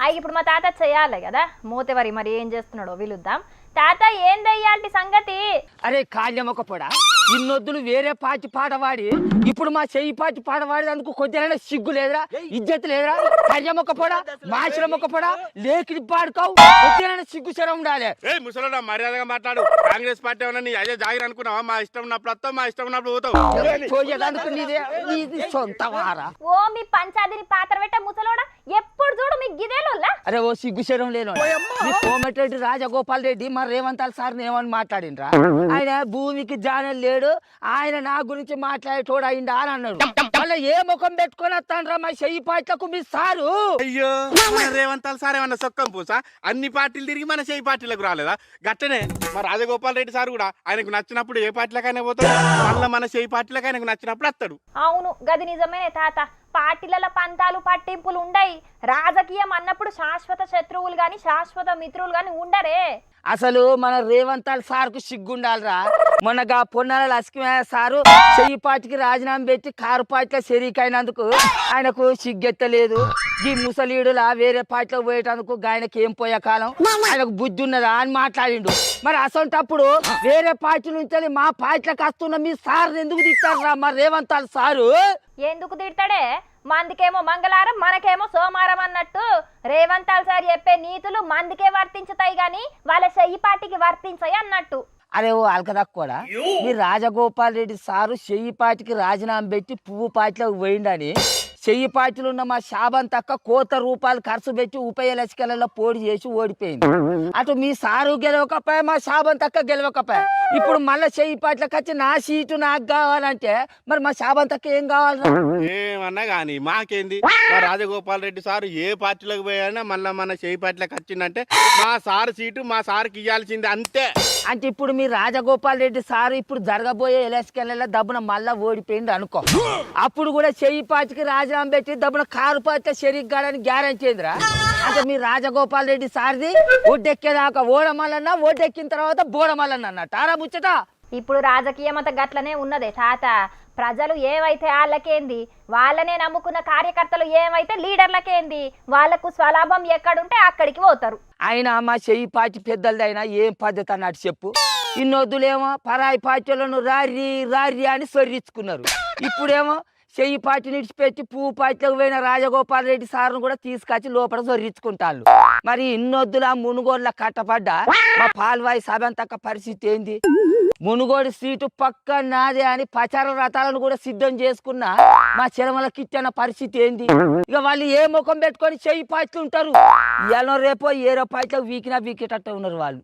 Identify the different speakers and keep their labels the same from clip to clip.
Speaker 1: ఇప్పుడు మా తాత చేయాలి కదా మూతెవరి మరి ఏం చేస్తున్నాడో విలుద్దాం. తాత ఏందయ్యాల్టి సంగతి?
Speaker 2: అరే కాళ్యమొక పొడ ఇన్నొద్దులు వేరే పాటి పాట పాడి ఇప్పుడు మా చెయ్యి పాటి పాట పాడి అందుకు కొద్దిగా సిగ్గు లేదురా, ఇజ్జత్ లేదురా? కాళ్యమొక పొడ మాషలమొక పొడ లేకి పాడుకోవు, కొద్దిగా సిగ్గు శరం ఉండాలి.
Speaker 3: ముసలోడా మర్యాదగా మాట్లాడు. కాంగ్రెస్ పార్టీ ఏమన్నా నీ అదే జాగిరి అనుకున్నావా? మా ఇష్టం ఉన్నప్పుడు వస్తావు, మా ఇష్టం ఉన్నప్పుడు పోతావు.
Speaker 2: పోయేదానికి నీది సొంత వారా?
Speaker 1: ఓ మీ పంచాదిని పాత్ర పెట్టే ముసలోడా ఎప్పుడు చూడు మీ గిదేలోల్లా.
Speaker 2: అరే ఓ సిగ్గు శరం లేను కోమటిరెడ్డి రాజగోపాల్ రెడ్డి మా రేవంత్ సార్ ఏమని మాట్లాడిండ్రా? ఆయన భూమికి జానల్ లేడు, ఆయన నా గురించి మాట్లాడేటోడు అయిందా అని అన్నాడు. మళ్ళీ ఏ ముఖం పెట్టుకొని వస్తాండ్రా మా చెయ్యి పాటలకు మీ సారు?
Speaker 3: అయ్యో రేవంత్ సార్ ఏమన్నా సొక్కం పూసా? అన్ని పార్టీలు తిరిగి మన చెయ్యి పార్టీలకు రాలేదా? గట్టనే మా రాజగోపాల్ రెడ్డి సార్ కూడా ఆయనకు నచ్చినప్పుడు ఏ పార్టీలకైనా పోతాడు, మళ్ళీ మన చెయ్యి పార్టీలకు ఆయనకు నచ్చినప్పుడు వస్తాడు.
Speaker 1: అవును గది నిజమేనే తాత. పార్టీల పంతాలు పట్టింపులు ఉండయి. రాజకీయం అన్నప్పుడు శాశ్వత శత్రువులు గాని శాశ్వత మిత్రులు గాని ఉండరే.
Speaker 2: అసలు మన రేవంత్ సార్ కు సిగ్గుండాలరా. మొన్నగా పొన్నాల లక్ష్మీ సారు చెయ్యి పార్టీకి రాజీనామా పెట్టి కారు పార్టీలో షరీకైనందుకు ఆయనకు సిగ్గెత్తలేదు. ఈ ముసలీడులా వేరే పార్టీలో పోయేటందుకు ఆయనకి ఏం పోయే కాలం, ఆయనకు బుద్ధి ఉన్నదా అని మాట్లాడిండు. మరి అసంటప్పుడు వేరే పార్టీ నుంచి మా పార్టీలకు వస్తున్న మీ సార్ ఎందుకు తిట్టారా మా రేవంత్ సారు?
Speaker 1: ఎందుకు తిడతాడే? మందికేమో మంగళవారం మనకేమో సోమవారం అన్నట్టు రేవంత్ సార్ చెప్పే నీతులు మందికే వర్తించుతాయి గాని వాళ్ళ చెయ్యి పార్టీకి వర్తించాయి అన్నట్టు.
Speaker 2: అరే ఓ అల్కదక్కుడా, మీ రాజగోపాల్ రెడ్డి సారు చెయ్యి పార్టీకి రాజీనామా పెట్టి పువ్వు పార్టీలోకి పోయిండని చెయ్యి పార్టీలు ఉన్న మా శాబన్ తక్క ₹1,00,00,000 ఖర్చు పెట్టి ఉప-ఎలక్షన్లలో పోటీ చేసి ఓడిపోయింది. అటు మీ సారు గెలవకపోయా, మా శాబన్ తక్క గెలవకపోయా. ఇప్పుడు మళ్ళీ చెయ్యి పార్టీలకు వచ్చి నా సీటు నాకు కావాలంటే మరి మా శాబన్ తక్క ఏం కావాలి?
Speaker 3: ఏమన్నా కానీ మాకేంది? మా రాజగోపాల్ రెడ్డి సారు ఏ పార్టీలోకి పోయానా మళ్ళీ మన చెయ్యి పార్టీలకు వచ్చిందంటే మా సారు సీటు మా సార్కి ఇవ్వాల్సింది అంతే.
Speaker 2: అంటే ఇప్పుడు మీ రాజగోపాల్ రెడ్డి సారు ఇప్పుడు జరగబోయే ఎలక్షన్లలో దబ్బున మళ్ళా ఓడిపోయింది అనుకో, అప్పుడు కూడా చెయ్యి పార్టీకి రాజీనామా పెట్టి దబ్బున కారు పార్టీలో షరీక్ కాడని గ్యారెంటీ ఏందిరా? అంటే మీ రాజగోపాల్ రెడ్డి సార్ది ఒడ్డెక్కేదాకా ఓడమల్లన్నా, ఓడెక్కిన తర్వాత బోడమల్లన్న అన్నట్టు ఆరా ముచ్చట.
Speaker 1: ఇప్పుడు రాజకీయం అంతా గట్లనే ఉన్నదే తాత. ప్రజలు ఏవైతే వాళ్ళకేంది, వాళ్ళనే నమ్ముకున్న కార్యకర్తలు ఏమైతే లీడర్లకేంది, వాళ్లకు స్వలాభం ఎక్కడుంటే అక్కడికి పోతారు.
Speaker 2: ఆయన మా చెయ్యి పార్టీ పెద్దలదైనా ఏం పద్ధతి అన్నట్టు చెప్పు. ఇన్నొద్దులేమో పరాయి పార్టీలను రారి రారి అని సొర్రించుకున్నారు. ఇప్పుడేమో చెయ్యి పార్టీ నిడిచిపెట్టి పువ్వు పార్టీలోకి పోయిన రాజగోపాల్ రెడ్డి సార్ను కూడా తీసుకొచ్చి లోపల సొర్రించుకుంటారు. మరి ఇన్నొద్దులా మునుగోడుల కట్టపడ్డా మా పాల్వాయి సభంతక్క పరిస్థితి ఏంది? మునుగోడు సీటు పక్క నాదే అని ప్రచార రథాలను కూడా సిద్ధం చేసుకున్న మా చిరమల కిచ్చన్న పరిస్థితి ఏంది? ఇక వాళ్ళు ఏ ముఖం పెట్టుకొని చెయ్యి పార్టీలు ఉంటారు? ఎలా రేపో ఏరో పార్టీలకు వీకేటట్టు ఉన్నారు వాళ్ళు.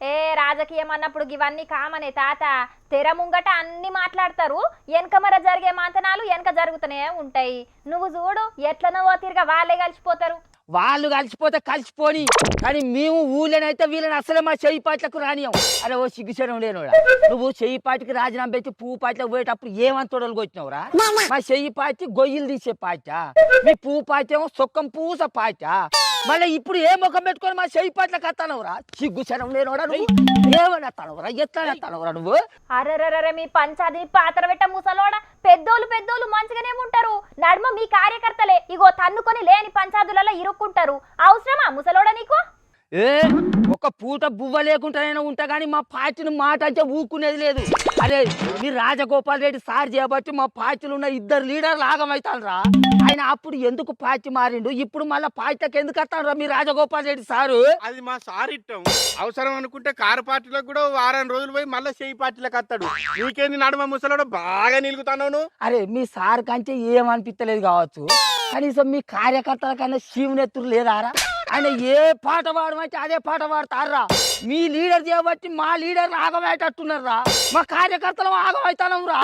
Speaker 1: రాజకీయం అన్నప్పుడు ఇవన్నీ కామనే తాత. తెర ముంగట అన్ని మాట్లాడతారు, వెనకమర జరిగే మంతనాలు వెనక జరుగుతూనే ఉంటాయి. నువ్వు చూడు ఎట్లనో తిరిగా వాళ్ళే కలిసిపోతారు.
Speaker 2: వాళ్ళు కలిసిపోతే కలిసిపోని, కానీ మేము ఊళ్ళోనైతే వీళ్ళని అసలే మా చెయ్యి పార్టీలకు రానియం. అరే ఓ సిగ్గుచరం లేనుడా, నువ్వు చెయ్యి పార్టీకి రాజీనామా పెట్టి పువ్వు పార్టీలకు పోయేటప్పుడు ఏమని తొడలు కొట్టినవురా? మా చెయ్యి పార్టీ గొయ్యిలు తీసే పార్టీ, మీ పువ్వు పార్టీ ఏమో సొక్కం పూస పార్టీ. మళ్ళీ ఇప్పుడు ఏ ముఖం పెట్టుకొని మా చెయ్యి పార్టీలకు వస్తానవురా? సిగ్గుచరం లేనుడా, నువ్వు ఏమని వస్తానవురా? ఎట్లా వస్తానవురా నువ్వు?
Speaker 1: అరే మీ పంచాది పాత్ర పెట్ట ముసలోడా, పెద్దోళ్ళు మంచిగానే ఉంటారు. నడుమ మీ కార్యకర్తలే ఇగో తన్నుకొని లేని పంచాదులలో ఇరుక్కుంటారు. అవసరమా ముసలోడా నీకు?
Speaker 2: ఒక పూట బువ్వ లేకుండానే ఉంటా కానీ మా పార్టీని మాట అంటే ఊకునేది లేదు. అరే మీ రాజగోపాల్ రెడ్డి సార్ చేయబట్టి మా పార్టీలు ఉన్న 2 లీడర్లు ఆగమవుతారా? ఆయన అప్పుడు ఎందుకు పార్టీ మారిండు, ఇప్పుడు మళ్ళీ పార్టీకి ఎందుకు వస్తాడు మీ రాజగోపాల్ రెడ్డి సారు?
Speaker 3: అది మా సార్ ఇట్టం. అవసరం అనుకుంటే కారు పార్టీలకు కూడా వారం రోజులు పోయి మళ్ళీ చెయ్యి పార్టీలకు వస్తాడు. నీకేంది నడుమ ముసలోడు బాగా నిలుగుతాను?
Speaker 2: అరే మీ సార్ కంటే ఏమనిపించలేదు కావచ్చు, కనీసం మీ కార్యకర్తల కన్నా శివునెత్తురు లేదారా? ఆయన ఏ పాట పాడమంటే అదే పాట పాడతారా? మీ లీడర్ చేయబట్టి మా లీడర్ ఆగమయ్యేటట్టున్నారా? మా కార్యకర్తలు ఆగమవుతానం రా.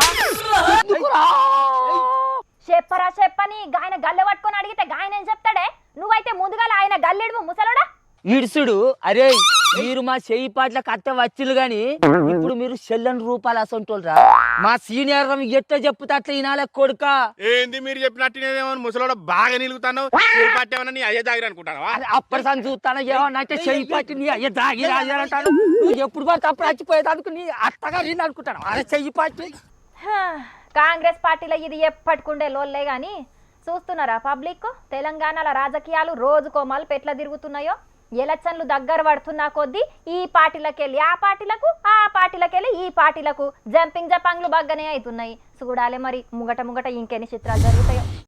Speaker 1: చెప్పని ఆయన గల్లె పట్టుకొని అడిగితే గాయన ఏం చెప్తాడే? నువ్వైతే ముందుగా ఆయన గల్లెడు ముసలోడా
Speaker 2: ఇడుసుడు. అరే మీరు మా చెయ్యి పాటలకు అత్త వచ్చిలు గాని ఇప్పుడు మీరు చెల్లని రూపాయలు అసంటోళ్ళరా? మా సీనియర్ ఎట్లా చెప్పుతా అట్లా ఈనాలే కొడుక.
Speaker 3: ఏంది మీరు చెప్పినట్టు ముసలోడ బాగా నిలుగుతాను? పార్టీ ఏమన్నా నీ అయ్యే దాగిరి అనుకుంటావా?
Speaker 2: అప్పటి సంది చూస్తాను ఏమన్నా చెయ్యి పార్టీ నీ అయ్యే దాగి రాజారంటాను. నువ్వు ఎప్పుడు పడితే అప్పుడు చచ్చిపోయేదానికి నీ అత్తగా నేను అనుకుంటాను. అరే చెయ్యి పార్టీ
Speaker 1: కాంగ్రెస్ పార్టీలో ఇది ఎప్పటికుండే లోల్లే గాని చూస్తున్నారా పబ్లిక్ తెలంగాణలో రాజకీయాలు రోజుకో మలుపు ఎట్లా తిరుగుతున్నాయో. ఎలక్షన్లు దగ్గర పడుతున్నా కొద్దీ ఈ పార్టీలకెళ్ళి ఆ పార్టీలకు, ఆ పార్టీలకెళ్ళి ఈ పార్టీలకు జంపింగ్ జపాంగ్లు బాగానే అవుతున్నాయి. చూడాలి మరి ముంగట ఇంకెన్ని చిత్రాలు జరుగుతాయో.